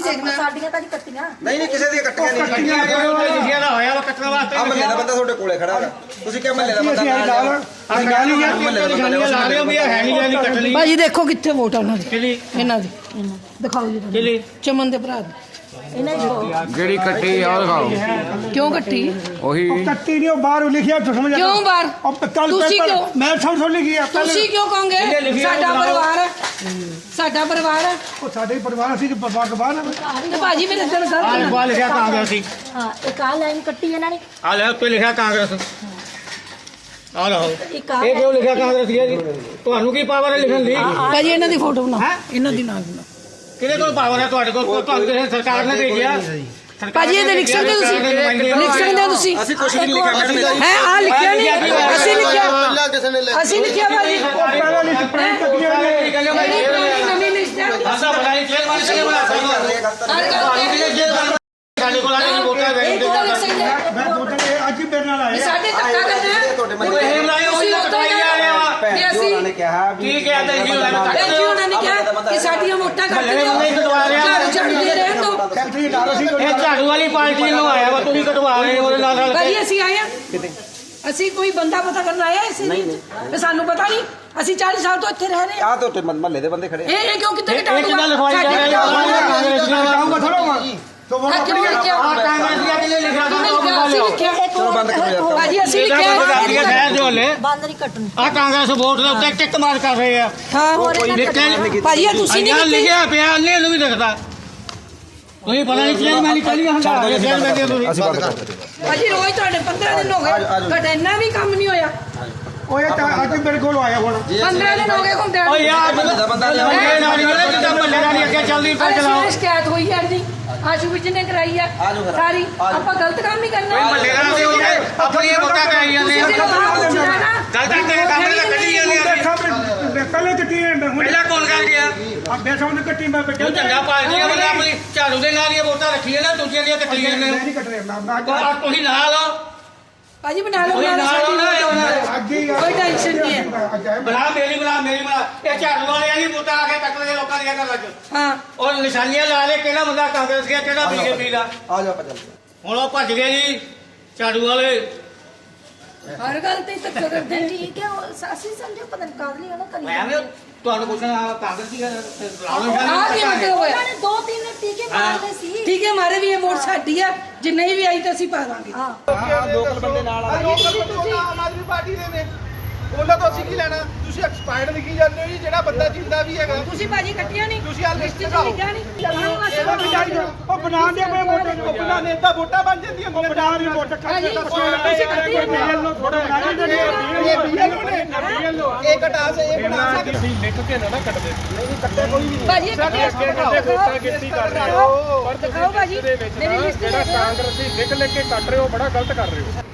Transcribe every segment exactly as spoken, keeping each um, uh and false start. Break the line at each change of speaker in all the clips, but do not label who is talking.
ਦੇਖਣਾ ਸਾਡੀਆਂ ਤਾਂ ਨਹੀਂ ਕੱਟੀਆਂ
ਨਹੀਂ ਨਹੀਂ ਕਿਸੇ ਦੀਆਂ ਕੱਟੀਆਂ ਨਹੀਂ
ਲਿਖਿਆ ਦਾ ਹੋਇਆ ਵਾ ਕੱਟਣ ਵਾਸਤੇ
ਆ ਮਹੱਲੇ ਦਾ ਬੰਦਾ ਤੁਹਾਡੇ ਕੋਲੇ ਖੜਾ ਹੈਗਾ ਤੁਸੀਂ ਕਿਹਾ ਮਹੱਲੇ ਦਾ ਬੰਦਾ ਨਾਲ
ਆ ਗੱਲ ਹੀ ਆ ਲਾ ਰਹੇ ਹੋ ਵੀ ਹੈ ਨਹੀਂ ਜਾਨੀ ਕੱਟ ਲਈ
ਭਾਜੀ ਦੇਖੋ ਕਿੱਥੇ ਵੋਟ ਆ ਉਹਨਾਂ ਦੀ
ਕਿਲੀ
ਇਹਨਾਂ ਦੀ ਦਿਖਾਓ ਜੀ
ਕਿਲੀ
ਚਮਨ ਦੇ ਭਰਾ ਦੀ ਇਹਨਾਂ ਦੀ
ਜਿਹੜੀ ਕੱਟੀ ਆ ਉਹ ਦਿਖਾਓ
ਕਿਉਂ ਕੱਟੀ
ਉਹੀ
ਕੱਟੀ ਨਹੀਂ ਉਹ ਬਾਹਰ ਲਿਖਿਆ ਸਮਝ
ਕਿਉਂ ਬਾਹਰ ਤੁਸੀਂ ਕਿਉਂ
ਮੈਂ ਸਮਝ ਸਮਝ ਲਿਖੀ ਆ
ਤੁਸੀਂ ਕਿਉਂ ਕਹੋਗੇ ਸਾਡਾ ਪਰਿਵਾਰ ਹੈ ਸਾਡਾ ਪਰਿਵਾਰ ਹੈ
ਉਹ ਸਾਡੇ ਪਰਿਵਾਰ ਅਸੀਂ ਬਾਗਬਾਨ
ਤੇ ਭਾਜੀ ਮੇਰੇ ਦਿਨ
ਆ
ਗਲਤ
ਲਿਖਿਆ ਕਾਂਗਰਸੀ
ਹਾਂ ਇੱਕ ਆ ਲਾਈਨ ਕੱਟੀ ਇਹਨਾਂ ਨੇ
ਆ ਲੈ ਉੱਤੇ ਲਿਖਿਆ ਕਾਂਗਰਸ ਆ ਲਓ
ਇੱਕ ਆ
ਇਹ ਕਿਉਂ ਲਿਖਿਆ ਕਾਂਗਰਸੀ ਹੈ ਜੀ ਤੁਹਾਨੂੰ ਕੀ ਪਾਵਰ ਹੈ ਲਿਖਣ ਦੀ
ਭਾਜੀ ਇਹਨਾਂ ਦੀ ਫੋਟੋ ਬਣਾ ਇਹਨਾਂ ਦੀ ਨਾਲ ਬਣਾ
ਕਿਹਦੇ ਕੋਲ ਪਾਵਰ ਹੈ ਤੁਹਾਡੇ ਕੋਲ ਤੁਹਾਨੂੰ ਕਿਸੇ ਸਰਕਾਰ ਨੇ ਭੇਜਿਆ
ਭਾਜੀ ਇਹ ਲਿਖ ਸਕਦੇ ਹੋ ਤੁਸੀਂ ਲਿਖ ਸਕਦੇ ਹੋ ਤੁਸੀਂ
ਅਸੀਂ ਕੁਝ ਨਹੀਂ ਲਿਖਿਆ ਮੈਡਮ
ਹੈ ਆ ਲਿਖਿਆ ਨਹੀਂ ਅਸੀਂ ਲਿਖਿਆ ਅਸੀਂ ਲਿਖਿਆ ਭਾਜੀ
ਪਹਿਲਾਂ ਲਿਖ ਪ੍ਰਿੰਟ ਕੱਟੀਆਂ ਨੇ
ਨਵੀਂ ਲਿਸਟ ਹੈ
ਆਸਾ ਬਣਾਈ ਜੇਲ੍ਹ ਵਾਲੀ ਕਿਹਨੇ ਬਣਾ ਸਕਦਾ ਸਾਡੇ ਕੋਲ ਆ ਕੇ ਵੋਟਾਂ ਵੇਚ ਦੇ
ਮੈਂ ਵੋਟਾਂ ਅੱਜ ਹੀ ਮੇਰੇ ਨਾਲ ਆਏ
ਸਾਡੇ ਧੱਕਾ ਕਰਨਾ
ਤੁਹਾਡੇ
ਉਹ ਇਹ ਬਣਾਈ ਹੋਈ ਕਟਾਈ ਆ ਰਿਹਾ ਵਾ
ਭੈਣ ਜੀ ਉਹਨਾਂ ਨੇ ਕਿਹਾ ਵੀ
ਠੀਕ ਹੈ ਤੇ ਜੀ ਉਹਨਾਂ ਨੇ
ਭੈਣ ਜੀ ਉਹਨਾਂ ਨੇ ਕਿਹਾ ਕਿ ਸਾਡੀਆਂ ਵੋਟਾਂ ਕੱਟ ਦਿਓ
ਨਹੀਂ ਕਟਵਾ ਰਿਹਾ
ਝਾੜੂ ਝਾੜੂ ਦੇ ਰਹਿਣ ਦਿਓ
ਫੈਕਟਰੀ ਨਾਲ ਅਸੀਂ
ਇਹ ਝਾੜੂ ਵਾਲੀ ਪਾਰਟੀ ਨੂੰ ਆਇਆ ਵਾ ਤੁਸੀਂ ਕਟਵਾ ਰਹੇ ਹੋ ਉਹਦੇ ਨਾਲ ਰਲ ਕੇ
ਭਾਜੀ ਅਸੀਂ ਆਏ ਆ ਅਸੀਂ ਕੋਈ ਬੰਦਾ ਪਤਾ ਕਰਨ ਆਇਆ ਇਸੇ ਨਹੀਂ ਸਾਨੂੰ ਪਤਾ ਨਹੀਂ ਅਸੀਂ ਚਾਲੀ ਸਾਲ ਤੋਂ ਇੱਥੇ ਰਹਿ ਰਹੇ
ਆ ਤੁਹਾਡੇ ਮਹੱਲੇ ਦੇ ਬੰਦੇ ਖੜੇ
ਇਹ ਇਹ ਕਿਉਂ ਕਿੱਥੇ
ਇਹ ਕਿਹਨਾਂ ਲਿਖਵਾਈ ਜਾ ਰਿਹਾ ਕਾਂਗਰਸੀਆਂ ਦਾ
ਆਉਂਗਾ ਥੋੜਾ ਤੋ
ਆ ਕਿਉਂ ਲਿਖਿਆ
ਆ ਕਾਂਗਰਸੀਆਂ ਕਿਹਨੇ ਲਿਖਿਆ
ਅਸੀਂ ਲਿਖਿਆ
ਚਲੋ ਬੰਦ ਕਰੋ ਯਾਰ
ਭਾਜੀ ਅਸੀਂ
ਇਹਦਾ
ਲਿਖਿਆ
ਬੰਦ ਕਰ ਦਿਆ ਸ਼ਹਿਰ ਦੇ ਹੋਲੇ
ਬੰਦ ਨਹੀਂ ਕੱਟਣੀ
ਆ ਕਾਂਗਰਸ ਵੋਟ ਦੇ ਉੱਤੇ ਟਿੱਕ ਮਾਰ ਕਰ ਰਹੇ ਆ
ਹਾਂ ਭਾਜੀ ਇਹ ਤੁਸੀਂ ਨਹੀਂ
ਅੰਨਾ
ਕੀਤੀ
ਲਿਖਿਆ ਪਿਆ ਅੰਨੇ ਨੂੰ ਵੀ ਦਿਖਦਾ ਤੁਸੀਂ ਪਤਾ ਨਹੀਂ ਕਿਹੜੀ ਮੈਂ ਨਿਕਲੀ ਹੰਡਾ ਰਹੇ ਸ਼ਹਿਰ ਵਿੱਚ ਤੁਸੀਂ
ਅਸੀਂ ਬੰਦ ਕਰ ਦਿੱਤੇ
ਭਾਜੀ ਰੋਜ਼ ਤੁਹਾਡੇ ਪੰਦਰਾਂ ਦਿਨ ਹੋ ਗਏ ਤੁਹਾਡਾ ਇੰਨਾ ਵੀ ਕੰਮ ਨਹੀਂ ਹੋਇਆ
ਉਹ ਇਹ ਤਾਂ ਅੱਜ ਮੇਰੇ ਕੋਲ ਆਇਆ ਹੁਣ
ਪੰਦਰਾਂ ਦਿਨ ਹੋ ਗਏ ਘੁੰਮਦੇ
ਓ ਯਾਰ
ਦਾ ਬੰਦਾ ਲਿਆ
ਬੰਦੇ ਨਾਲ ਜਿਹੜੇ ਜਿੱਦਾਂ ਮੱਲੇ ਨਾਲ ਅੱਗੇ ਚੱਲਦੀ ਪਈ ਚਲਾਓ
ਅਰੇ ਸ਼ਿਕਾਇਤ ਹੋਈ ਹੈ ਜੀ ਆਸ਼ੂ ਵਿੱਚ ਨੇ ਕਰਾਈ ਆ ਸਾਰੀ ਆਪਾਂ ਗਲਤ ਕੰਮ ਹੀ ਕਰਨਾ
ਮੱਲੇ ਨਾਲ ਦੇ ਹੋਏ ਆਪਣੀਆਂ ਵੋਟਾਂ ਕਰਾਈ ਜਾਂਦੇ ਆ ਗਲਤ ਤੇਰੇ ਕੰਮ ਨਾਲ ਕੱਢੀ ਜਾਂਦੇ ਆ
ਪਹਿਲੇ ਕੱਟੀ
ਪਹਿਲਾਂ ਕੌਣ ਕਰ ਗਿਆ
ਆ ਬੇਸੋਂ ਨੇ ਕੱਟੀ ਮੈਂ
ਉਹ ਚੰਗਾ ਪਾਰਟੀਆਂ ਵਾਲੇ ਆਪਣੀ ਝਾੜੂ ਦੇ ਨਾਲ ਹੀ ਵੋਟਾਂ ਰੱਖੀਆਂ ਨਾ ਦੂਜੀਆਂ ਦੀਆਂ ਕੱਟੀਆਂ ਨੇ
ਨਹੀਂ ਕੱਟ ਰਿਹਾ ਨਾ
ਆ ਤੁਸੀਂ ਨਾਲ ਹੋ
ਭਾਜੀ ਬਣਾ ਲਓ
ਕੋਈ
ਨਾਲ
ਨਾਲ
ਸਾਡੀ
ਹੋਣਾ
ਅੱਜ ਹੀ
ਕੋਈ ਟੈਨਸ਼ਨ ਨਹੀਂ ਹੈ
ਬਣਾ ਮੇਰੀ ਬਣਾ ਮੇਰੀ ਬਣਾ ਇਹ ਝਾੜੂ ਵਾਲੇ ਆ ਜੀ ਵੋਟਾਂ ਆ ਕੇ ਟੱਕਰੇ ਲੋਕਾਂ ਦੀਆਂ ਕਰ ਲੱਗ
ਹਾਂ
ਉਹ ਨਿਸ਼ਾਨੀਆਂ ਲਾ ਲੈ ਕਿਹੜਾ ਬੰਦਾ ਕਾਂਗਰਸ ਗਿਆ ਕਿਹੜਾ ਬੀਜੇਪੀ ਦਾ
ਆ ਜਾ ਪਚਲ
ਹੁਣ ਉਹ ਭੱਜ ਗਏ ਜੀ ਝਾੜੂ ਵਾਲੇ
ਹਰ ਗੱਲ ਤੇ ਧੱਕਾ ਕਰਦੇ ਨੇ
ਠੀਕ ਹੈ ਉਹ ਅਸੀਂ ਸਮਝੋ ਪਤਾ ਨਹੀਂ ਕਾਹਦੇ ਲਈ ਉਹਨਾਂ
ਮੈਂ
ਕਰੀ
ਵੀ ਤੁਹਾਨੂੰ ਪੁੱਛਣਾ ਕਾਂਗਰਸੀ
ਆ ਕੀ ਮਤਲਬ ਹੋਇਆ
ਉਹਨਾਂ ਨੇ ਦੋ ਤਿੰਨ ਟੀਕੇ ਮਾਰਦੇ ਸੀ
ਠੀਕ ਹੈ ਮਾਰੇ ਵੀ ਇਹ ਵੋਟ ਸਾਡੀ ਆ ਜੇ ਨਹੀਂ ਵੀ ਆਈ ਤਾਂ ਅਸੀਂ ਪਾ ਦਾਂਗੇ
ਹਾਂ
ਲੋਕਲ ਬੰਦੇ ਨਾਲ ਆ
ਤੁਸੀਂ ਆਮ ਆਦਮੀ ਪਾਰਟੀ ਦੇ ਨੇ ਉਹਨਾਂ ਤੋਂ ਅਸੀਂ ਕੀ ਲੈਣਾ ਤੁਸੀਂ ਐਕਸਪਾਇਰਡ ਲਿਖੀ ਜਾਂਦੇ ਹੋ ਜੀ ਜਿਹੜਾ ਬੰਦਾ ਜਿੰਦਾ ਵੀ ਹੈਗਾ
ਤੁਸੀਂ ਭਾਜੀ ਕੱਟਿਆ ਨਹੀਂ
ਤੁਸੀਂ ਆਹ ਲਿਸਟ
ਚ
ਦਿਖਾਓ।
ਲਿਖਿਆ ਨਹੀਂ
ਉਹ ਬਣਾ ਦੇ ਮੈਂ ਵੋਟਾਂ
ਉਹ ਬਣਾ ਨੇਤਾ ਵੋਟਾਂ ਬਣ ਜਾਂਦੀਆਂ
ਉਹ ਬਣਾ ਦੀ ਵੋਟ ਕੱਟ ਕੇ
ਤੁਸੀਂ ਕੱਟੀ
ਬੀਐਲ ਥੋੜਾ ਬਣਾ ਦੇ
ਇਹ ਬੀਐਲਓ ਨੇ ਇਹ ਕਟਾ ਸੇ ਇਹ ਬਣਾ ਸਕਦੇ
ਲਿਖ ਕੇ ਨਾ ਨਾ ਕੱਟ ਦੇ
ਭਾਜੀ ਕੱਟਿਆ
ਕੀਤੀ ਕਰ ਰਹੇ ਹੋ ਪਰ
ਦਿਖਾਓ ਭਾਜੀ ਮੇਰੀ ਲਿਸਟ
ਜਿਹੜਾ ਕਾਂਗਰਸੀ ਲਿਖ ਲਿਖ ਕੇ ਕੱਟ ਰਹੇ ਹੋ ਬੜਾ ਗਲਤ ਕਰ ਰਹੇ ਹੋ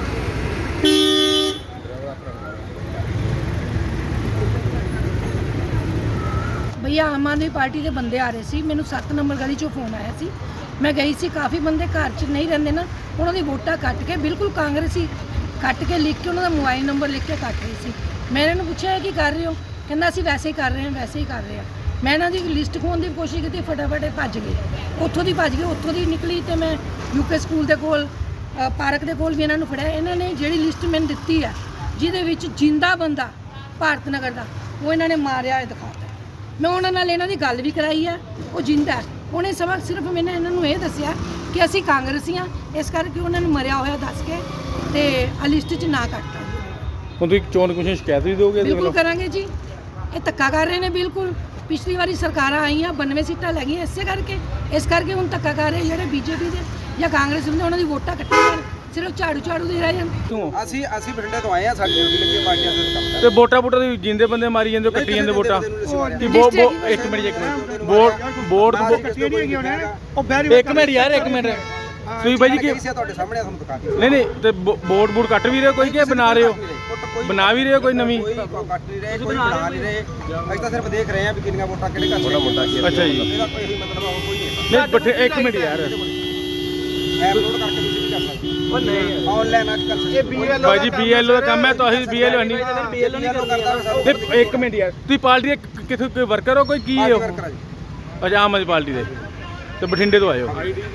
ਭਈਆ ਆਮ ਆਦਮੀ ਪਾਰਟੀ ਦੇ ਬੰਦੇ ਆ ਰਹੇ ਸੀ ਮੈਨੂੰ ਸੱਤ ਨੰਬਰ ਗਲੀ ਚੋਂ ਫੋਨ ਆਇਆ ਸੀ ਮੈਂ ਗਈ ਸੀ ਕਾਫੀ ਬੰਦੇ ਘਰ 'ਚ ਨਹੀਂ ਰਹਿੰਦੇ ਨਾ ਉਹਨਾਂ ਦੀ ਵੋਟਾਂ ਕੱਟ ਕੇ ਬਿਲਕੁਲ ਕਾਂਗਰਸੀ ਕੱਟ ਕੇ ਲਿਖ ਕੇ ਉਹਨਾਂ ਦਾ ਮੋਬਾਈਲ ਨੰਬਰ ਲਿਖ ਕੇ ਕੱਟ ਰਹੀ ਸੀ ਮੈਂ ਇਹਨਾਂ ਨੂੰ ਪੁੱਛਿਆ ਕੀ ਕਰ ਰਹੇ ਹੋ ਕਹਿੰਦਾ ਅਸੀਂ ਵੈਸੇ ਹੀ ਕਰ ਰਹੇ ਹਾਂ ਵੈਸੇ ਹੀ ਕਰ ਰਹੇ ਹਾਂ ਮੈਂ ਇਹਨਾਂ ਦੀ ਲਿਸਟ ਖੋਣ ਦੀ ਕੋਸ਼ਿਸ਼ ਕੀਤੀ ਫਟਾਫਟ ਇਹ ਭੱਜ ਗਏ ਉੱਥੋਂ ਦੀ ਭੱਜ ਗਏ ਉੱਥੋਂ ਦੀ ਨਿਕਲੀ ਤੇ ਮੈਂ ਯੂਕੇ ਸਕੂਲ ਦੇ ਕੋਲ ਪਾਰਕ ਦੇ ਕੋਲ ਵੀ ਇਹਨਾਂ ਨੂੰ ਫੜਿਆ ਇਹਨਾਂ ਨੇ ਜਿਹੜੀ ਲਿਸਟ ਮੈਨੂੰ ਦਿੱਤੀ ਹੈ ਜਿਹਦੇ ਵਿੱਚ ਜਿੰਦਾ ਬੰਦਾ ਭਾਰਤ ਨਗਰ ਦਾ ਉਹ ਇਹਨਾਂ ਨੇ ਮਾਰਿਆ ਇਹ ਦਿਖਾਤਾ ਮੈਂ ਉਹਨਾਂ ਨਾਲ ਇਹਨਾਂ ਦੀ ਗੱਲ ਵੀ ਕਰਾਈ ਹੈ ਉਹ ਜਿੰਦਾ ਉਹਨੇ ਸਬਕ ਸਿਰਫ ਮੈਨੇ ਇਹਨਾਂ ਨੂੰ ਇਹ ਦੱਸਿਆ ਕਿ ਅਸੀਂ ਕਾਂਗਰਸੀ ਹਾਂ ਇਸ ਕਰਕੇ ਉਹਨਾਂ ਨੂੰ ਮਰਿਆ ਹੋਇਆ ਦੱਸ ਕੇ ਤੇ ਆ ਲਿਸਟ 'ਚ ਨਾ ਕੱਟਤਾ
ਹੁਣ ਤੁਸੀਂ ਚੋਣ ਕਮਿਸ਼ਨ ਸ਼ਿਕਾਇਤ ਵੀ ਦਿਓਗੇ
ਬਿਲਕੁਲ ਕਰਾਂਗੇ ਜੀ ਇਹ ਧੱਕਾ ਕਰ ਰਹੇ ਨੇ ਬਿਲਕੁਲ ਪਿਛਲੀ ਵਾਰੀ ਸਰਕਾਰਾਂ ਆਈਆਂ ਬਾਨਵੇਂ ਸੀਟਾਂ ਲੈ ਗਈਆਂ ਇਸੇ ਕਰਕੇ ਇਸ ਕਰਕੇ ਹੁਣ ਧੱਕਾ ਕਰ ਰਹੇ ਜਿਹੜੇ ਬੀਜੇਪੀ ਦੇ ਜਾਂ ਕਾਂਗਰਸ ਦੇ ਉਹਨਾਂ ਦੀ ਵੋਟਾਂ ਕੱਟੀਆਂ ਸਿਰਫ ਝਾੜੂ ਝਾੜੂ ਦੇ ਰਹਿ ਜਾਣ
ਅਸੀਂ ਅਸੀਂ ਬਠਿੰਡੇ ਤੋਂ ਆਏ ਆ ਸਾਡੇ ਡਿਊਟੀ ਲੱਗੀ ਪਾਰਟੀਆਂ ਦੇ ਕੰਮ
ਤੇ ਵੋਟਾਂ ਵੋਟਾਂ ਦੀ ਜਿੰਦੇ ਬੰਦੇ ਮਾਰੀ ਜਾਂਦੇ ਕੱਟੀ ਜਾਂਦੇ ਵੋਟਾਂ ਕਿ ਵੋ ਵੋ ਇੱਕ ਮਿੰਟ ਇੱਕ ਮਿੰਟ ਵੋਟ ਵੋਟ
ਕੱਟੀ ਨਹੀਂ ਹੈਗੀ ਉਹਨੇ ਉਹ ਬੈਰੀ
ਇੱਕ ਮਿੰਟ ਯਾਰ ਇੱਕ ਮਿੰਟ ਤੁਸੀਂ ਬਾਈ ਜੀ ਕੀ
ਤੁਹਾਡੇ ਸਾਹਮਣੇ ਤੁਹਾਨੂੰ ਦਿਖਾ ਦਿੱਤਾ
ਨਹੀਂ ਨਹੀਂ ਤੇ ਵੋਟ ਵੋਟ ਕੱਟ ਵੀ ਰਹੇ ਕੋਈ ਕਿ ਬਣਾ ਰਹੇ ਹੋ ਬਣਾ ਵੀ ਰਹੇ ਹੋ ਕੋਈ ਨਵੀਂ
ਕੋਈ ਕੱਟ ਨਹੀਂ ਰਹੇ ਕੋਈ ਬਣਾ ਨਹੀਂ ਰਹੇ ਅਸੀਂ ਤਾਂ ਸਿਰਫ ਦੇਖ ਰਹੇ ਆ ਵੀ ਕਿੰਨੀਆਂ ਵੋਟਾਂ ਕਿਹੜੇ ਘਰ ਛੋਟਾ ਮੁੰਡਾ ਕੀ
ਅੱਛਾ ਜੀ
ਇਹਦਾ ਕੋਈ ਮਤਲਬ ਹੋਰ ਕੋਈ ਨਹੀਂ
ਨਹੀਂ ਬੱਠੇ ਇੱਕ ਮਿੰਟ ਯਾਰ
ਐਪ ਲੋਡ ਕਰਕੇ ਤੁਸੀਂ ਵੀ ਕਰ ਸਕਦੇ ਉਹ ਨਹੀਂ ਆਨਲਾਈਨ ਅੱਜ ਕੱਲ ਇਹ ਬੀਐਲ
ਬਾਈ ਜੀ ਬੀਐਲਓ ਦਾ ਕੰਮ ਹੈ ਤਾਂ ਅਸੀਂ ਬੀਐਲਓ ਨਹੀਂ
ਬੀਐਲ ਨਹੀਂ ਕਰਦਾ
ਤੇ ਇੱਕ ਮਿੰਟ ਯਾਰ ਤੁਸੀਂ ਪਾਰਟੀ ਦੇ ਕਿਥੇ ਕੋਈ ਵਰਕਰ ਹੋ ਕੋਈ ਕੀ ਹੋ
ਵਰਕਰ ਆ ਜੀ
ਅੱਛਾ ਆਮ ਆਦਮੀ ਪਾਰਟੀ ਦੇ ਤੇ ਬਠਿੰਡੇ ਤੋਂ ਆਏ ਹੋ